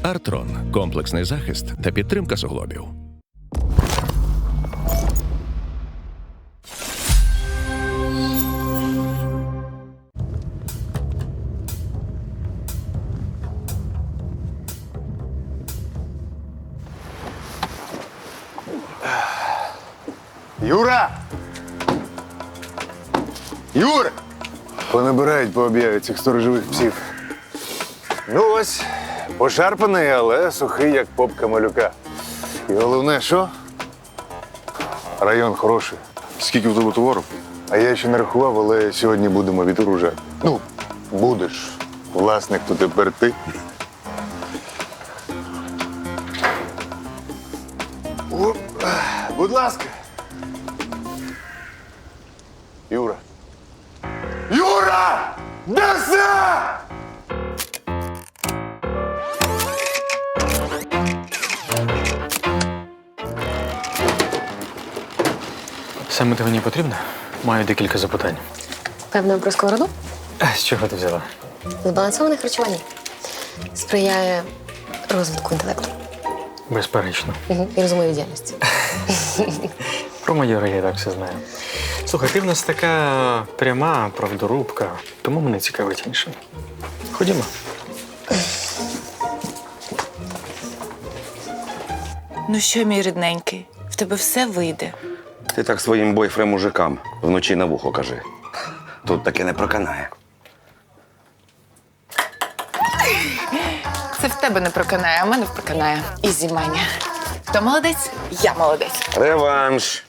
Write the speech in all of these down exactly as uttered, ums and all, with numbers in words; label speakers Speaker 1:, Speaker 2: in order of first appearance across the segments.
Speaker 1: Артрон – комплексний захист та підтримка суглобів.
Speaker 2: Юра! Юра! Понабирають по об'яві цих сторожових псів. Ну ось, пошарпаний, але сухий, як попка малюка. І головне, що? Район хороший.
Speaker 3: Скільки в тебе товару?
Speaker 2: А я ще не рахував, але сьогодні будемо відгружати. Ну, будеш. Власник, то тепер ти. О, будь ласка. Юра. Юра! Де все?
Speaker 4: Саме ти мені потрібно? Маю декілька запитань.
Speaker 5: Певно, про сковороду?
Speaker 4: А з чого ти взяла?
Speaker 5: Збалансоване харчування сприяє розвитку інтелекту.
Speaker 4: Безперечно.
Speaker 5: Угу. І розумовій діяльності.
Speaker 4: Про майора я і так все знаю. Слухай, ти в нас така пряма правдорубка, тому мене цікавить інше. Ходімо.
Speaker 6: Ну що, мій рідненький, в тебе все вийде.
Speaker 7: Ти так своїм бойфрем-мужикам вночі на вухо кажи. Тут таке не проканає.
Speaker 6: Це в тебе не проканає, а в мене проканає. Ізі маня. Хто молодець? Я молодець.
Speaker 7: Реванш!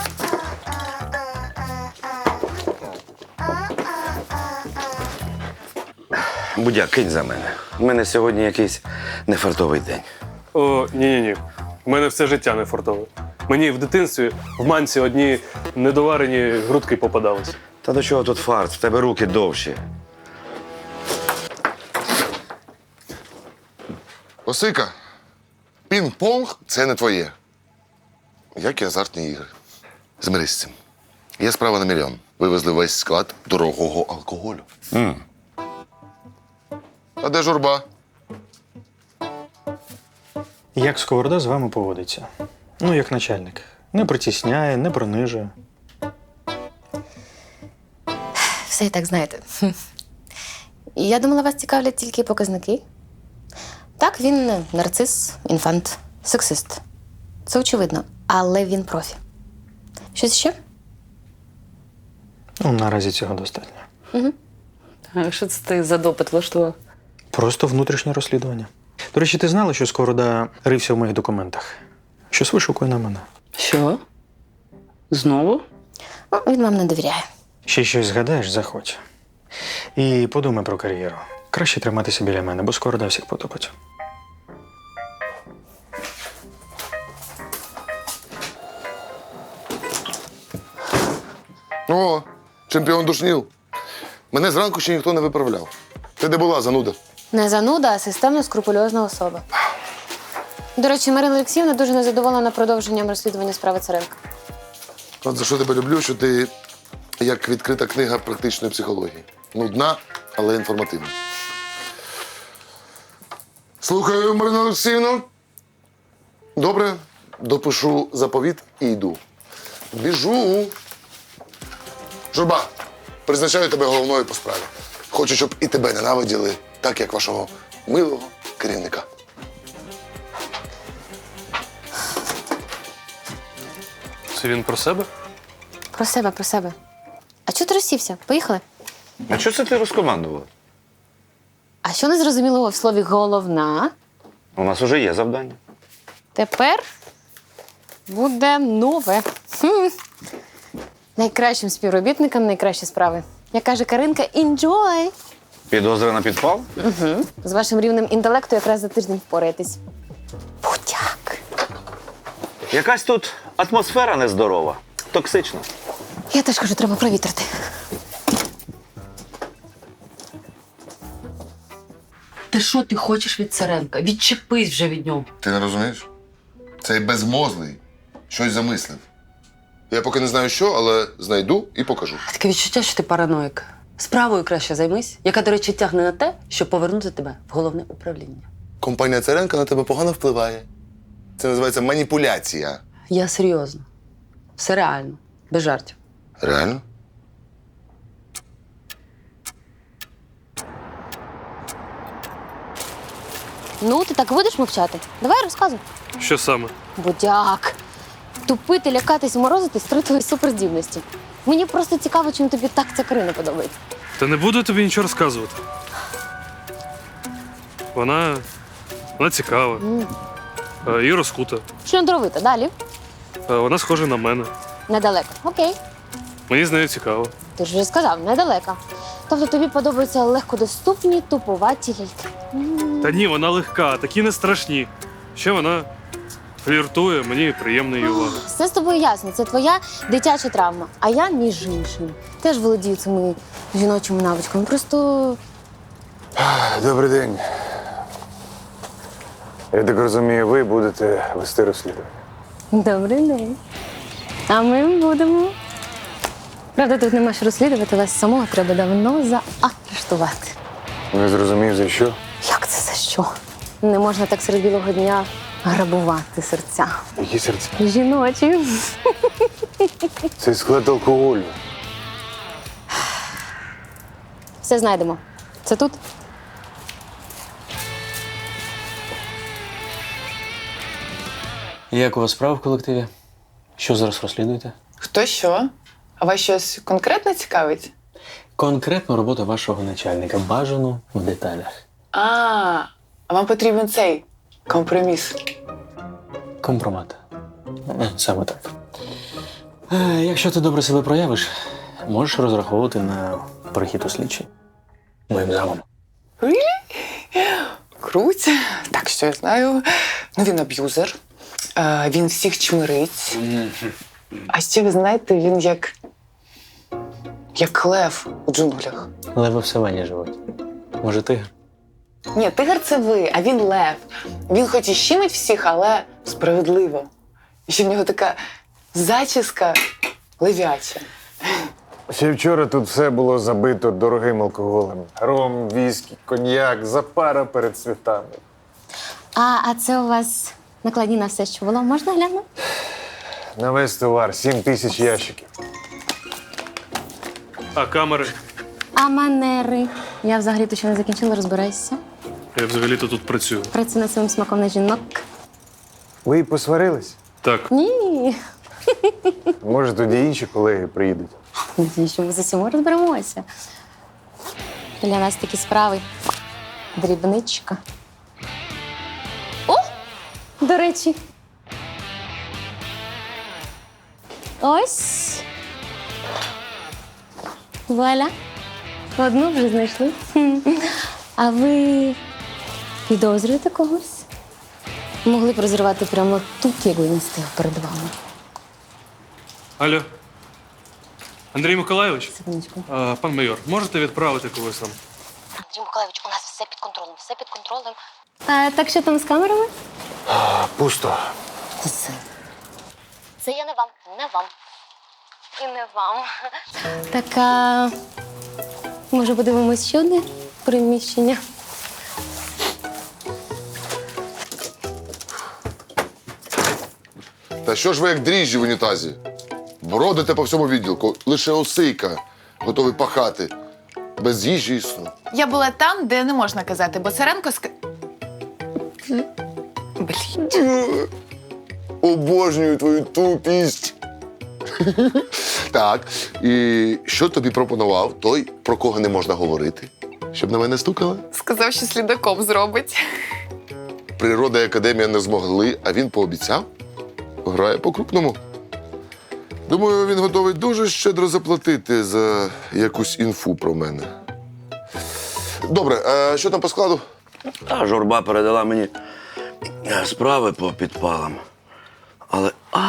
Speaker 7: Будяк, кинь за мене. У мене сьогодні якийсь нефартовий день.
Speaker 8: О, ні-ні-ні. У мене все життя не фартове. Мені в дитинстві в манці одні недоварені грудки попадались.
Speaker 7: Та до чого тут фарт? В тебе руки довші.
Speaker 3: Осика, пінг-понг – це не твоє. Як і азартні ігри. Змирись з цим. Є справа на мільйон. Вивезли весь склад дорогого алкоголю.
Speaker 7: Mm.
Speaker 3: А де журба?
Speaker 4: Як сковорода з вами поводиться? Ну, як начальник. Не притісняє, не принижує.
Speaker 5: Все і так знаєте. Хм. Я думала, вас цікавлять тільки показники. Так, він нарцис, інфант, сексист. Це очевидно. Але він профі. Щось ще?
Speaker 4: Ну, наразі цього достатньо.
Speaker 9: А що це ти за допит влаштував?
Speaker 4: Просто внутрішнє розслідування. До речі, ти знала, що Сковорода рився в моїх документах? Щось вишукує на мене.
Speaker 9: Що? Знову?
Speaker 5: Ну, він вам не довіряє.
Speaker 4: Ще щось згадаєш, заходь. І подумай про кар'єру. Краще триматися біля мене, бо Сковорода всіх потопить.
Speaker 3: О, чемпіон душнів. Мене зранку ще ніхто не виправляв. Ти де була, зануда?
Speaker 5: Не зануда, а системно скрупульозна особа. До речі, Марина Олексіївна дуже незадоволена продовженням розслідування справи Царенка.
Speaker 3: От за що тебе люблю, що ти як відкрита книга практичної психології. Нудна, але інформативна. Слухаю, Марина Олексіївна. Добре, допишу заповіт і йду. Біжу. Журба, призначаю тебе головною по справі. Хочу, щоб і тебе ненавиділи, так як вашого милого керівника.
Speaker 8: Це він про себе?
Speaker 5: Про себе, про себе. А чого ти розсівся? Поїхали?
Speaker 7: А що це ти розкомандувала?
Speaker 5: А що незрозумілого в слові «головна»?
Speaker 7: У нас уже є завдання.
Speaker 5: Тепер буде нове. Хм. Найкращим співробітникам найкращі справи. Як каже Каринка, enjoy!
Speaker 7: Підозра на підпал?
Speaker 5: Угу. З вашим рівнем інтелекту якраз за тиждень впораєтесь. Будяк.
Speaker 7: Якась тут атмосфера нездорова, токсична.
Speaker 5: Я теж кажу, треба провітрити.
Speaker 9: Ти що ти хочеш від Царенка? Відчепись вже від нього.
Speaker 3: Ти не розумієш? Цей безмозлий щось замислив. Я поки не знаю що, але знайду і покажу.
Speaker 9: Таке відчуття, що ти параноїк. Справою краще займись, яка, до речі, тягне на те, щоб повернути тебе в головне управління.
Speaker 3: компанія Царенка на тебе погано впливає. Це називається маніпуляція.
Speaker 9: Я серйозно. Все реально, без жартів.
Speaker 3: Реально?
Speaker 5: Ну, ти так будеш мовчати? Давай розказуй.
Speaker 8: Що саме?
Speaker 5: Будяк. Тупити, лякатись, морозитись три твої суперздібності. Мені просто цікаво, чим тобі так ця Карина подобається.
Speaker 8: Та не буду тобі нічого розказувати. Вона. Вона цікава. Е, І розкута.
Speaker 5: Шльондровита, далі.
Speaker 8: Е, Вона схожа на мене.
Speaker 5: Недалеко. Окей.
Speaker 8: Мені з нею цікаво.
Speaker 5: Ти ж вже сказав, недалека. Тобто тобі подобаються легкодоступні, туповаті ляльки.
Speaker 8: Та ні, вона легка, такі не страшні. Ще вона фліртує, мені приємна її увага.
Speaker 5: Все з тобою ясно, це твоя дитяча травма. А я, між іншим, теж володію цими жіночими навичками. Просто
Speaker 2: Добрий день. Я так розумію, ви будете вести розслідування.
Speaker 5: добрий день. А ми будемо. Правда, тут нема що розслідувати, вас самого треба давно заарештувати.
Speaker 2: Не зрозумів, за що?
Speaker 5: Як це за що? Не можна так серед білого дня грабувати серця.
Speaker 2: Які серця?
Speaker 5: Жіночі.
Speaker 2: Це склад алкоголю.
Speaker 5: Все знайдемо. Це тут?
Speaker 4: Як у вас справа в колективі? Що зараз розслідуєте?
Speaker 6: Хто що? А вас щось конкретно цікавить?
Speaker 4: Конкретну роботу вашого начальника. Бажану в деталях.
Speaker 6: А, а вам потрібен цей компроміс.
Speaker 4: Компромат. Е, Саме так. Е, Якщо ти добре себе проявиш, можеш розраховувати на перехід у слідчий. Моїм замом.
Speaker 6: Круть. Так, що я знаю. Ну, він аб'юзер. Е, він всіх чмирить. А ще ви знаєте, він як. як лев у джунглях.
Speaker 4: Леви в савані живуть. Може, тигр?
Speaker 6: Ні, тигр це ви, а він лев. Він хоч і щемить всіх, але справедливо. І ще в нього така зачіска левяча.
Speaker 2: Ще вчора тут все було забито дорогим алкоголем. Ром, віскі, коньяк, запара перед святами.
Speaker 5: А, а це у вас накладні на все, що було. Можна глянути?
Speaker 2: На весь товар сім тисяч ящиків.
Speaker 8: А камери?
Speaker 5: А манери? Я взагалі-то ще не закінчила, розбирайся.
Speaker 8: Я взагалі-то тут працюю.
Speaker 5: Працюю над своїм смаком на жінок.
Speaker 2: Ви посварились?
Speaker 8: Так.
Speaker 5: Ні.
Speaker 2: Може, тоді інші колеги приїдуть.
Speaker 5: Надію, що ми з усім розберемося. Для нас такі справи. Дрібничка. О! До речі. Ось. Вуаля. Одну вже знайшли. Хм. А ви підозрюєте когось? Могли б розірвати прямо тут, якби він стояв перед вами.
Speaker 8: Алло. Андрій Миколайович?
Speaker 5: Секундочку.
Speaker 8: А, пан майор, можете відправити когось там?
Speaker 5: Андрій Миколайович, у нас все під контролем, все під контролем. А, так що там з камерами?
Speaker 2: Пусто.
Speaker 5: Це, це я не вам, не вам. І не вам. Так, а... може подивимось ще одне приміщення?
Speaker 3: Та що ж ви як дріжджі в унітазі? Бродите по всьому відділку, лише осийка готовий пахати. Без їжі і сну.
Speaker 6: Я була там, де не можна казати, бо Царенко ска... Блін.
Speaker 3: Обожнюю твою тупість. Так, і що тобі пропонував той, про кого не можна говорити? Щоб на мене стукала?
Speaker 6: Сказав, що слідаком зробить.
Speaker 3: Природа і академія не змогли, а він пообіцяв. Грає по-крупному. Думаю, він готовий дуже щедро заплатити за якусь інфу про мене. Добре, а що там по складу?
Speaker 7: А журба передала мені е, справи по підпалам. Але а,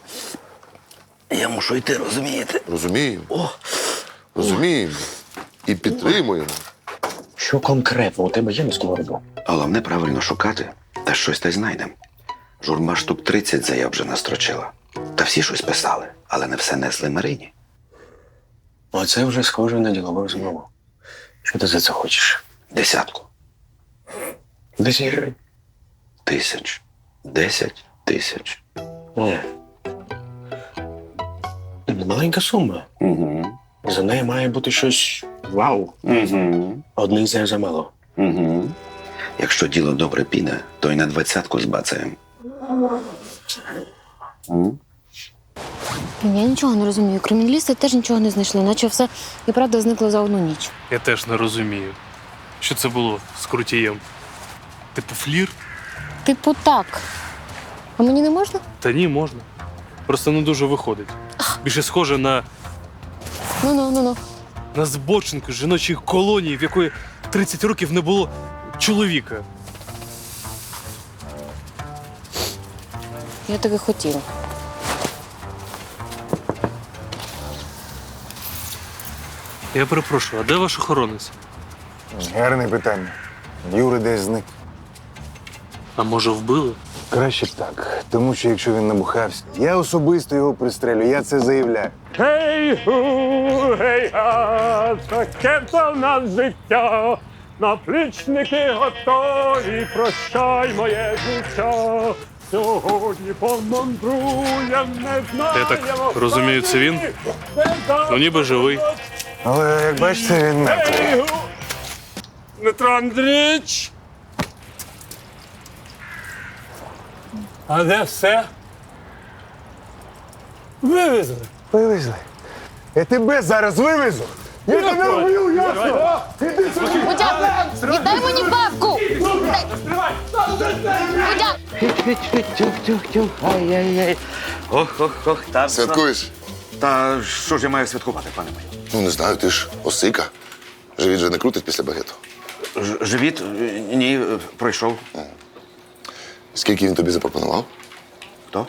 Speaker 7: я мушу йти, розумієте?
Speaker 3: Розуміємо.
Speaker 7: О,
Speaker 3: Розуміємо. І підтримуємо.
Speaker 4: Що конкретно у тебе є на сковороду?
Speaker 7: головне правильно шукати, та щось та й знайдемо. Журба штук тридцять заяв вже настрочила. Та всі щось писали, але не все несли Марині.
Speaker 4: Оце вже схоже на ділову розмову. Що ти за це хочеш?
Speaker 7: Десятку. Десять гривень. Тисяч. Десять тисяч.
Speaker 4: Ні. Маленька сума.
Speaker 7: Угу.
Speaker 4: За неї має бути щось вау.
Speaker 7: Угу.
Speaker 4: Одних за замало.
Speaker 7: Угу. Якщо діло добре піде, то й на двадцятку збацаємо.
Speaker 5: Я нічого не розумію. Криміналісти теж нічого не знайшли, наче все і правда зникло за одну ніч.
Speaker 8: Я теж не розумію, що це було з крутієм. Типу флір?
Speaker 5: Типу так. А мені не можна?
Speaker 8: Та ні, можна. Просто не дуже виходить. Більше схоже на,
Speaker 5: Ну-ну, ну-ну.
Speaker 8: на збочинку з жіночої колонії, в якої тридцять років не було чоловіка.
Speaker 5: Я так і хотіла.
Speaker 8: Я перепрошую, а де ваш охоронець?
Speaker 2: Гарне питання. Юра десь зник.
Speaker 8: А може вбили?
Speaker 2: Краще б так. Тому що якщо він набухався, я особисто його пристрелю, я це заявляю.
Speaker 10: Гей-гу, гей-га, таке то в нас життя. Наплічники готові, прощай моє життя. Сьогодні помандруєм, не знаю.
Speaker 8: Я так розумію, це він? Ну, ніби живий.
Speaker 2: Але як бачите, він мертвий.
Speaker 10: Дмитро Андрійович. А де все? Вивезли.
Speaker 2: Вивезли. Я тебе зараз вивезу. Я тебе вб'ю, ясно?
Speaker 5: Будяк, віддай мені бабку! Будяк!
Speaker 7: Тюх-тюх-тюх, ай-яй-яй. Ох-ох-ох, та...
Speaker 3: Святкуєш?
Speaker 7: Та що ж я маю святкувати, пане мій?
Speaker 3: Ну, не знаю, ти ж осика. Живіт же не крутить після багету.
Speaker 7: Ж- Живіт? Ні, пройшов.
Speaker 3: Скільки він тобі запропонував?
Speaker 7: Хто?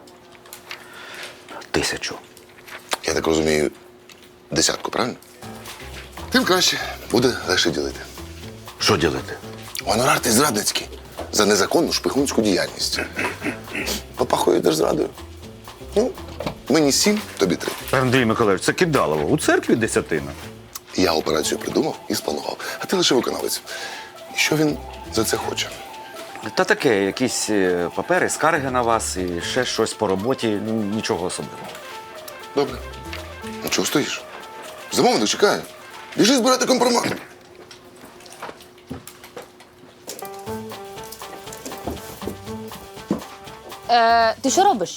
Speaker 7: Тисячу.
Speaker 3: Я так розумію, десятку, правильно? Тим краще. Буде легше ділити.
Speaker 7: Що ділити?
Speaker 3: Гонорар ти зрадницький за незаконну шпигунську діяльність. Попахує держзрадою. Ну, мені сім, тобі три.
Speaker 7: Андрій Миколаївич, це кидалово. У церкві десятина.
Speaker 3: Я операцію придумав і спланував, а ти лише виконавець. І що він за це хоче?
Speaker 7: Та таке, якісь е, папери, скарги на вас і ще щось по роботі, ну, нічого особливого.
Speaker 3: Добре. Ну чого стоїш? Замовник чекає. Біжи збирати компромат.
Speaker 5: Е, ти що робиш?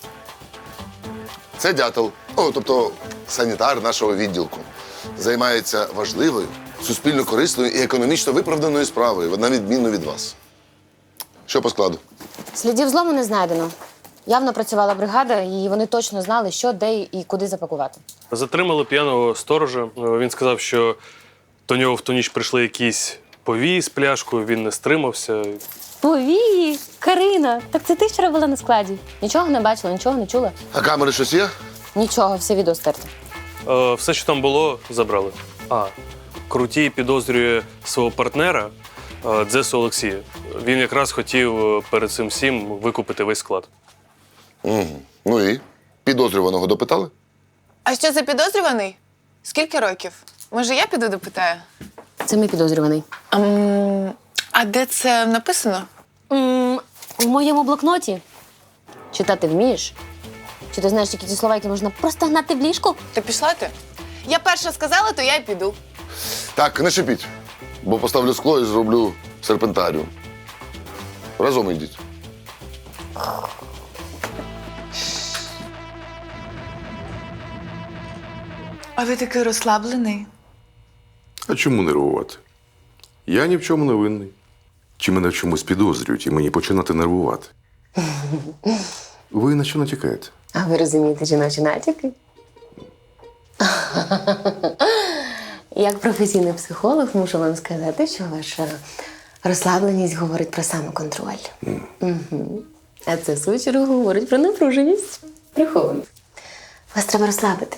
Speaker 3: Це дятел, о, тобто санітар нашого відділку. Займається важливою, суспільно корисною і економічно виправданою справою, на відміну від вас. Що по складу?
Speaker 5: Слідів злому не знайдено. Явно працювала бригада, і вони точно знали, що, де і куди запакувати.
Speaker 8: Затримали п'яного сторожа. Він сказав, що до нього в ту ніч прийшли якісь повії з пляшкою, він не стримався.
Speaker 5: Повії! Карина! Так це ти вчора була на складі. Нічого не бачила, нічого не чула.
Speaker 3: А камери щось є?
Speaker 5: Нічого, все відео стерто.
Speaker 8: Е, Все, що там було, забрали. А, Крутій підозрює свого партнера е, Дзесу Олексія. Він якраз хотів е, перед цим всім викупити весь склад.
Speaker 3: Угу. Ну і? Підозрюваного допитали?
Speaker 6: А що за підозрюваний? Скільки років? Може, я піду допитаю?
Speaker 5: Це мій підозрюваний.
Speaker 6: Ам, а де це написано?
Speaker 5: М, У моєму блокноті. Читати вмієш? Чи ти знаєш, які ті слова, які можна просто гнати в ліжку?
Speaker 6: Ти пішла ти? Я перша сказала, то я й піду.
Speaker 3: Так, не шипіть, бо поставлю скло і зроблю серпентаріум. Разом йдіть.
Speaker 6: А ви такий розслаблений.
Speaker 11: А чому нервувати? Я ні в чому не винний. Чи мене в чомусь підозрюють і мені починати нервувати? Ви на що натякаєте?
Speaker 5: А ви розумієте жіночі натяки? Як професійний психолог мушу вам сказати, що ваша розслабленість говорить про самоконтроль. Mm. Угу. А це, в свою чергу, говорить про напруженість. Приховану. Вас треба розслабити.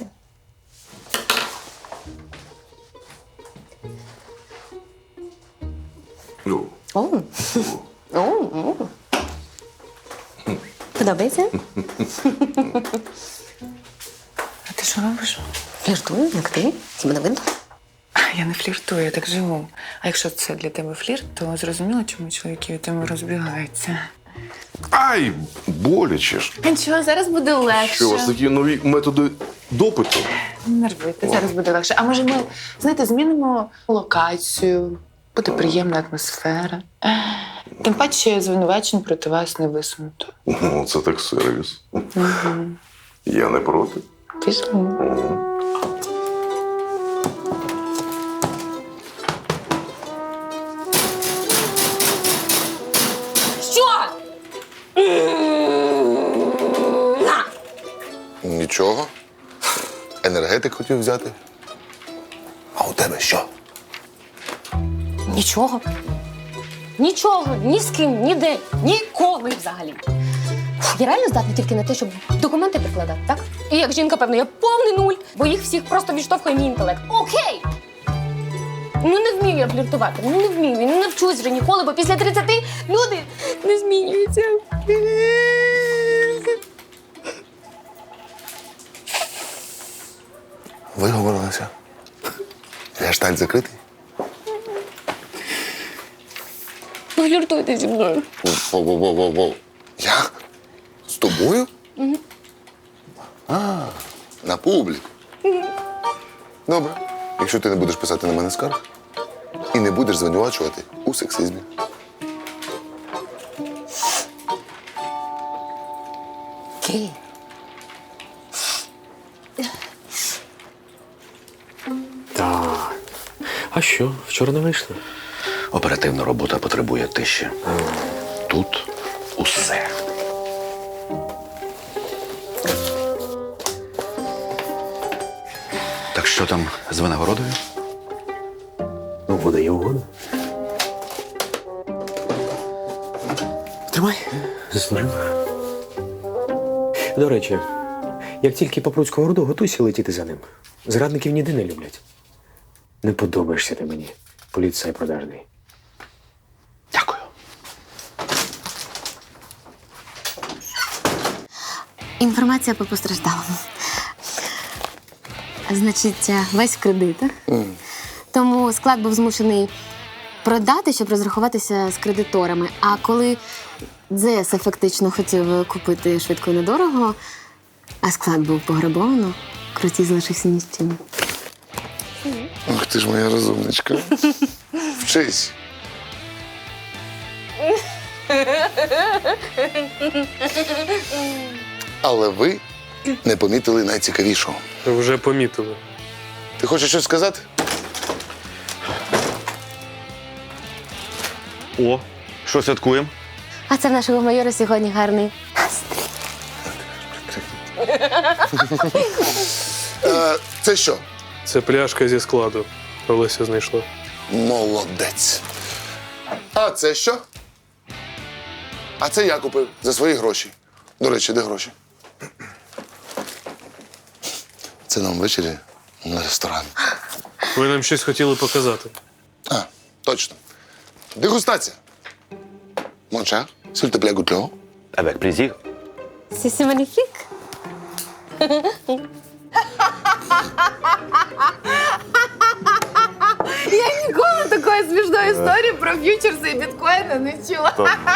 Speaker 11: Ну,
Speaker 5: О! О! О! Подобається?
Speaker 6: А ти що робиш?
Speaker 5: Я жду, як ти. Тебе не видно?
Speaker 6: Я не фліртую, я так живу. А якщо це для тебе флірт, то зрозуміло, чому чоловіки від тебе розбігаються.
Speaker 11: Ай, боляче ж.
Speaker 6: Нічого, зараз буде легше.
Speaker 11: Що, у вас такі нові методи допиту?
Speaker 6: Не нервуйте, зараз буде легше. А може ми, знаєте, змінимо локацію, буде приємна атмосфера. Тим паче звинувачень проти вас не висунуто.
Speaker 11: Ну, це так сервіс. Я не проти.
Speaker 6: Пішли.
Speaker 5: Що?
Speaker 3: Нічого. Енергетик хотів взяти. А у тебе що?
Speaker 5: Нічого. Нічого, ні з ким, ніде, ніколи взагалі. Фу, я реально здатна тільки на те, щоб документи прикладати, так? І як жінка, певно, я повний нуль, бо їх всіх просто відштовхує мій інтелект. Окей! Ну не вмію я фліртувати, ну не вмію, не навчусь вже ніколи, бо після тридцяти люди не змінюються.
Speaker 3: Виговорилася. Гештальт закритий?
Speaker 5: Фліртуйте зі мною.
Speaker 3: Воу-воу-воу-воу. Я? З тобою? Угу. А, на публіку. Добре. Якщо ти не будеш писати на мене скарг і не будеш звинувачувати у сексизмі.
Speaker 5: Окей.
Speaker 4: Так. А що, вчора не вийшло?
Speaker 7: Оперативна робота потребує тиші. Тут усе. Так що там з винагородою?
Speaker 4: Ну, буде і угода. Тримай. Заслужив. До речі, як тільки попруть сковороду, готуйся летіти за ним. Зрадників ніде не люблять. Не подобаєшся ти мені, поліцай продажний.
Speaker 7: Дякую.
Speaker 5: Інформація по постраждалому. Значить, весь кредит. Mm. Тому склад був змушений продати, щоб розрахуватися з кредиторами. А коли Дзес фактично хотів купити швидко і недорого, а склад був пограбовано, Крутій залишився ні з чим.
Speaker 3: Ох, ти ж моя розумничка. Вчись. Але ви не помітили найцікавішого.
Speaker 8: Вже помітили.
Speaker 3: Ти хочеш щось сказати?
Speaker 7: О, що святкуємо?
Speaker 5: А це в нашого майора сьогодні гарний настрій.
Speaker 3: Е, Це що?
Speaker 8: Це пляшка зі складу. Олеся знайшла.
Speaker 3: Молодець. А це що? А це я купив за свої гроші. До речі, де гроші? Це нам ввечері на ресторан.
Speaker 8: Ви нам щось хотіли показати.
Speaker 3: А, точно. Дегустація. Монша, s'il te plaît, goûte-le.
Speaker 7: Avec plaisir.
Speaker 5: C'est magnifique.
Speaker 6: Я ніколи такої смішної історії про ф'ючерси і біткоїни не чула.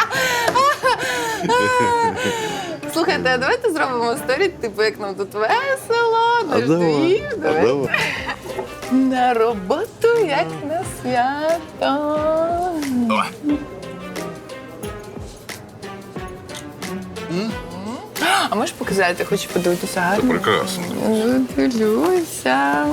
Speaker 6: Слухайте, а давайте зробимо сторі, типу, як нам тут весело, дождів. Давай. На роботу, як на свято.
Speaker 3: Давай.
Speaker 6: А можеш показати? Хочу подивитися гарно.
Speaker 3: Прекрасно.
Speaker 6: Ну, дивлюся.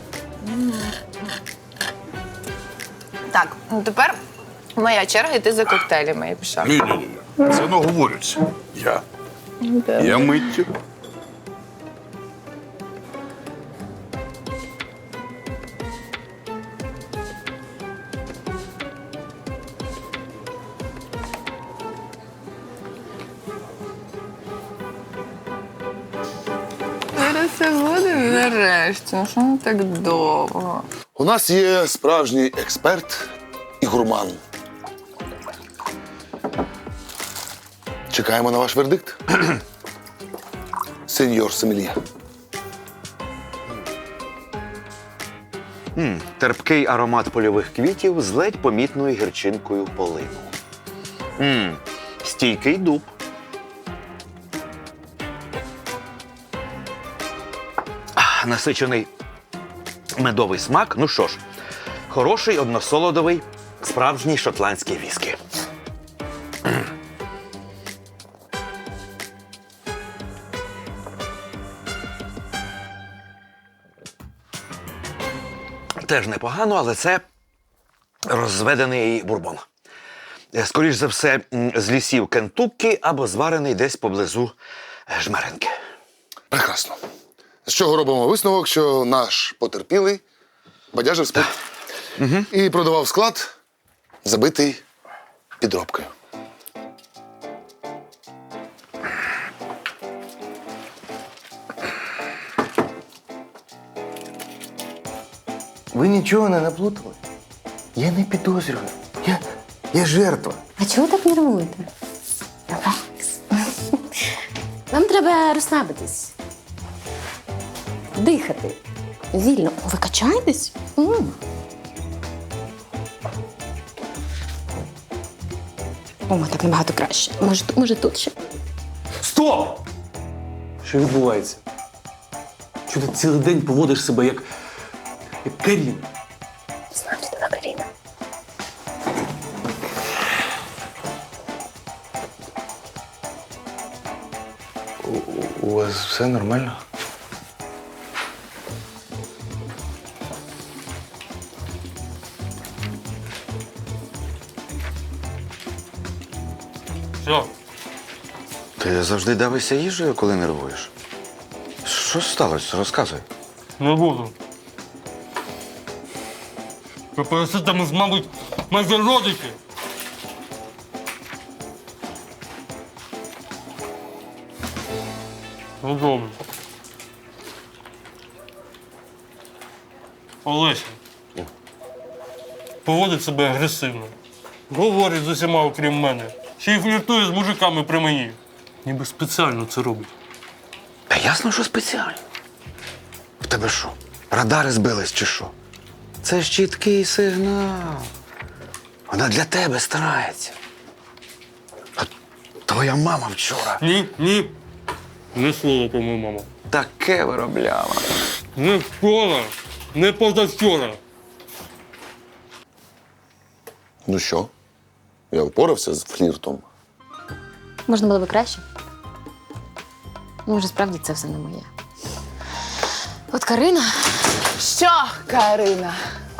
Speaker 6: Так, ну тепер моя черга йти за коктейлями. Я пішла.
Speaker 11: Ні-ні-ні. Це не говориться. Я. Я миттю.
Speaker 6: Зараз все буде нарешті. Ну що не так довго?
Speaker 3: У нас є справжній експерт і гурман. Чекаємо на ваш вердикт. Сеньор Сомельє.
Speaker 12: М, терпкий аромат польових квітів з ледь помітною гірчинкою полину. М, стійкий дуб. А, насичений медовий смак. Ну що ж, хороший односолодовий справжній шотландський віскі. Теж непогано, але це розведений бурбон. Скоріш за все, м, з лісів Кентуккі або зварений десь поблизу Жмеренки.
Speaker 3: Прекрасно. З чого робимо висновок, що наш потерпілий бадяжив спит
Speaker 12: Угу.
Speaker 3: і продавав склад, забитий підробкою.
Speaker 2: Ви нічого не наплутали? Я не підозрюю. Я, я жертва.
Speaker 5: А чого ви так нервуєте? Релакс. Вам треба розслабитись. Дихати. Вільно. Ви качаєтесь? М. О, так набагато краще. Може, ту- може тут ще?
Speaker 4: Стоп! Що відбувається? Що ти цілий день поводиш себе як, як Каріна?
Speaker 5: Знаю, що така Каріна.
Speaker 2: У вас все нормально?
Speaker 8: Що?
Speaker 12: Ти завжди давишся їжею, коли нервуєш? Що сталося? Розказуй.
Speaker 10: Не буду. Ви пересите, ми ж, мабуть, майже родичі. Ну, добре. Олеся. Поводить себе агресивно. Говорить з усіма, окрім мене. Ще й фліртує з мужиками при мені. Ніби спеціально це робить.
Speaker 12: Та ясно, що спеціально. В тебе що? Радари збились чи що? Це ж чіткий сигнал. Вона для тебе старається. А твоя мама вчора
Speaker 10: Ні, ні. Не слово про мою маму.
Speaker 12: таке виробляла.
Speaker 10: Не вчора, не позавчора.
Speaker 3: Ну що? Я впорався з фліртом.
Speaker 5: Можна було би краще. Може, справді це все не моє. От Карина.
Speaker 6: Що, Карина?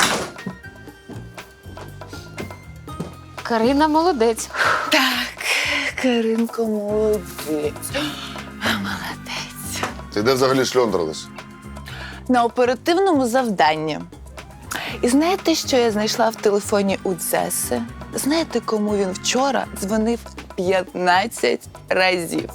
Speaker 5: Карина молодець.
Speaker 6: Так, Каринко, молодець. Молодець.
Speaker 3: Ти де взагалі шльондрилась?
Speaker 6: На оперативному завданні. І знаєте, що я знайшла в телефоні у Дзеси? Знаєте, кому він вчора дзвонив п'ятнадцять разів?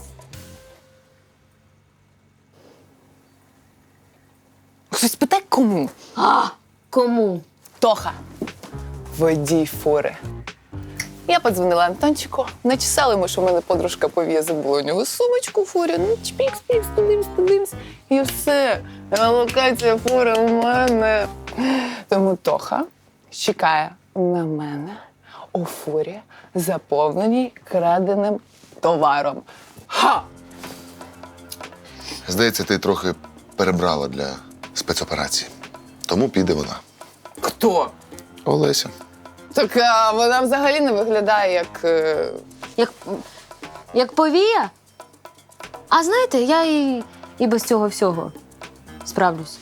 Speaker 6: Хтось питає, кому?
Speaker 5: А, кому?
Speaker 6: Тоха. Водій фури. Я подзвонила Антончику, начесала йому, що в мене подружка пов'є, забула у нього сумочку в фурі. Ну, чпікс, пікс, подивимось, подивимось. І все. Локація фури у мене. Тому Тоха чекає на мене у фурі, заповненій краденим товаром. Ха!
Speaker 3: Здається, ти трохи перебрала для спецоперації. Тому піде вона.
Speaker 6: Хто?
Speaker 3: Олеся.
Speaker 6: Так а, вона взагалі не виглядає як. е,
Speaker 5: Як, як повія? А знаєте, я і, і без цього всього справлюсь.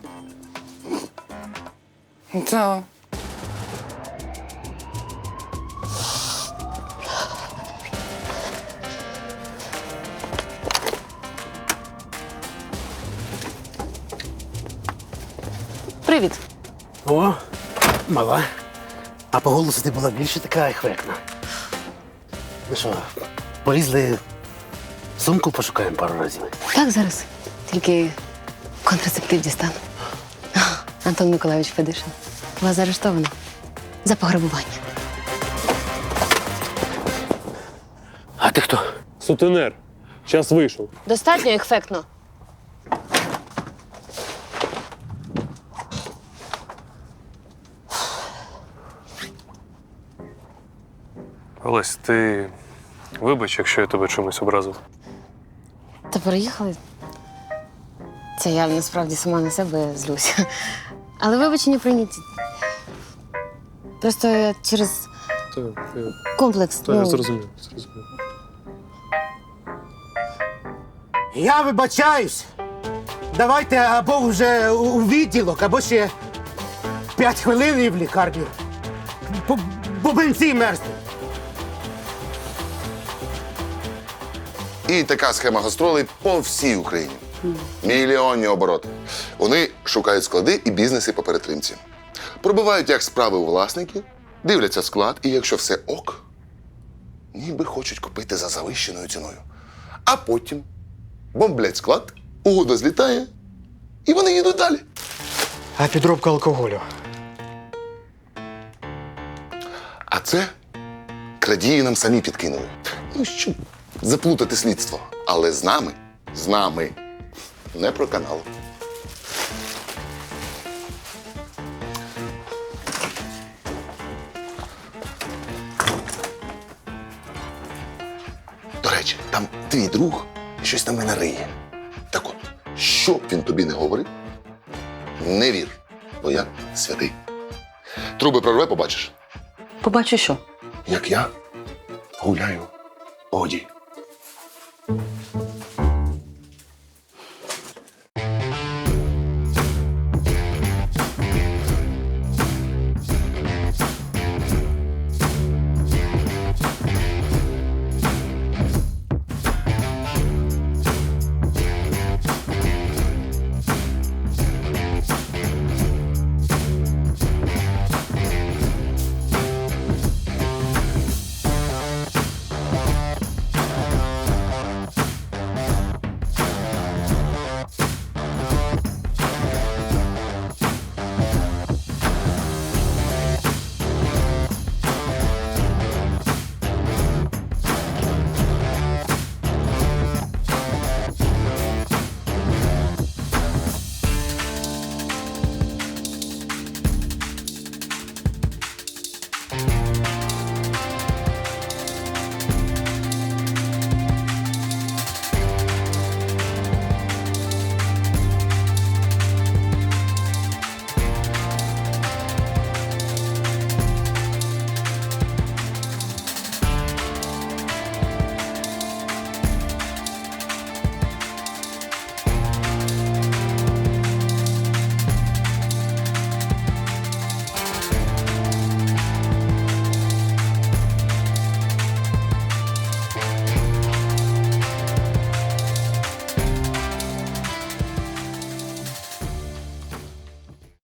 Speaker 6: Та.
Speaker 5: Привіт.
Speaker 13: О, мала. А по голосу ти була більше така ефектна. Ну що, полізли, сумку пошукаємо пару разів.
Speaker 5: Так, зараз. Тільки контрацептив дістану. Антон Миколайович Федишин. Вас заарештовано за пограбування.
Speaker 13: А ти хто?
Speaker 10: Сутенер. Час вийшов.
Speaker 5: Достатньо ефектно.
Speaker 8: Олесь, ти вибач, якщо я тебе чимось образив.
Speaker 5: Та переїхали. Це я насправді сама на себе злюся. Але вибачення прийняті. Просто я через
Speaker 8: Так, я,
Speaker 5: комплекс.
Speaker 8: та, я
Speaker 5: ну,
Speaker 8: зрозумів, зрозумів.
Speaker 13: Я вибачаюсь. Давайте або вже у у відділок, або ще п'ять хвилин і в лікарню. Бо, бо бензин мерзне.
Speaker 3: І така схема гастролей по всій Україні. Мільйонні обороти. Вони шукають склади і бізнеси по перетримці. Пробивають, як справи у власників, дивляться склад, і якщо все ок, ніби хочуть купити за завищеною ціною. А потім бомблять склад, угода злітає, і вони їдуть далі.
Speaker 13: А підробка алкоголю.
Speaker 3: А це крадії нам самі підкинули. Ну, щоб заплутати слідство. Але з нами, з нами, не про канал. До речі, там твій друг щось на мене риє. Так от, що б він тобі не говорив, не вір, бо я святий. Труби прорве, побачиш.
Speaker 9: Побачу, що.
Speaker 3: Як я гуляю по воді.